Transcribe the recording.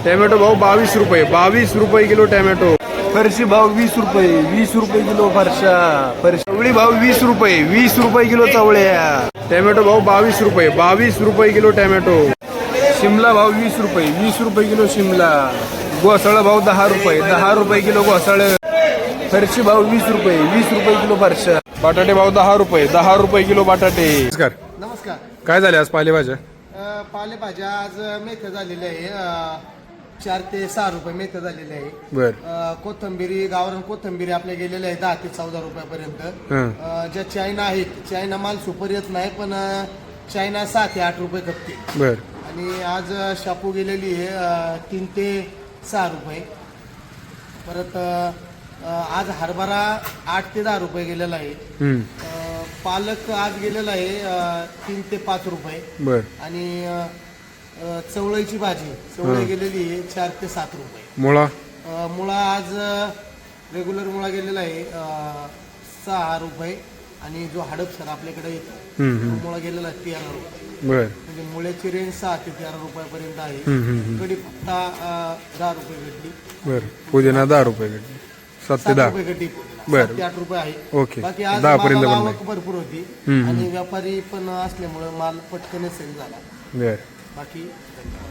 Tomato भाव 22 रुपये, 22 रुपये किलो टॅमॅटो. फरशी भाव 20 रुपये, 20 रुपये किलो फरशा. चवळी भाव 20 रुपये, 20 रुपये किलो चवळ्या. टॅमॅटो भाव 22 रुपये, 22 रुपये किलो टॅमॅटो. शिमला भाव 20 रुपये, 20 रुपये किलो शिमला. घोसाळा भाव 10 रुपये, 10 रुपये किलो घोसाळ. फरशी भाव 20 रुपये, 20 रुपये किलो फरशा. बटाटे भाव 10 रुपये, 10 रुपये किलो बटाटे. नमस्कार. नमस्कार. काय झाले आज पालेभाज्या? पालेभाज्या आज मेथ्या झालेल्या आहे 4 ते 6 रुपये मेथ्या झालेल्या आहे. बर. कोथंबिरी गावरान कोथंबिरी आपल्या गेलेल्या आहे 10 ते 14 रुपयापर्यंत. ज्या चायना आहेत चायना माल सुपर येत नाही पण चायना 7 ते 8 रुपये खपते. बर. आणि आज शापू गेलेली आहे 3 ते 6 रुपये. परत आज हरभरा 8 ते 10 रुपये गेलेला आहे. पालक आज गेलेला आहे 3 ते 5 रुपये. बर. आणि चवळीची भाजी चवळी गेलेली आहे 4 ते 7 रुपये. मुळा? मुळा आज रेग्युलर मुळा गेलेला आहे 6 रुपये. आणि जो हडपसर आपल्याकडे येतो मुळा गेलेला आहे 13 रुपये. बर. म्हणजे मुळ्याची रेंज 6 ते 13 रुपयापर्यंत आहे. कढीपत्ता 10 रुपये गड्डी. बर. पुदिना 10 रुपये गड्डी. 7 ते 10 रुपये गड्डी. बर. 7 ते 8 रुपये आहे. ओके. बाकी आज 10 पर्यंत मालाला पण आवक भरपूर होती आणि व्यापारी पण असल्यामुळे माल पटकन सेल झाला. बर. बाकी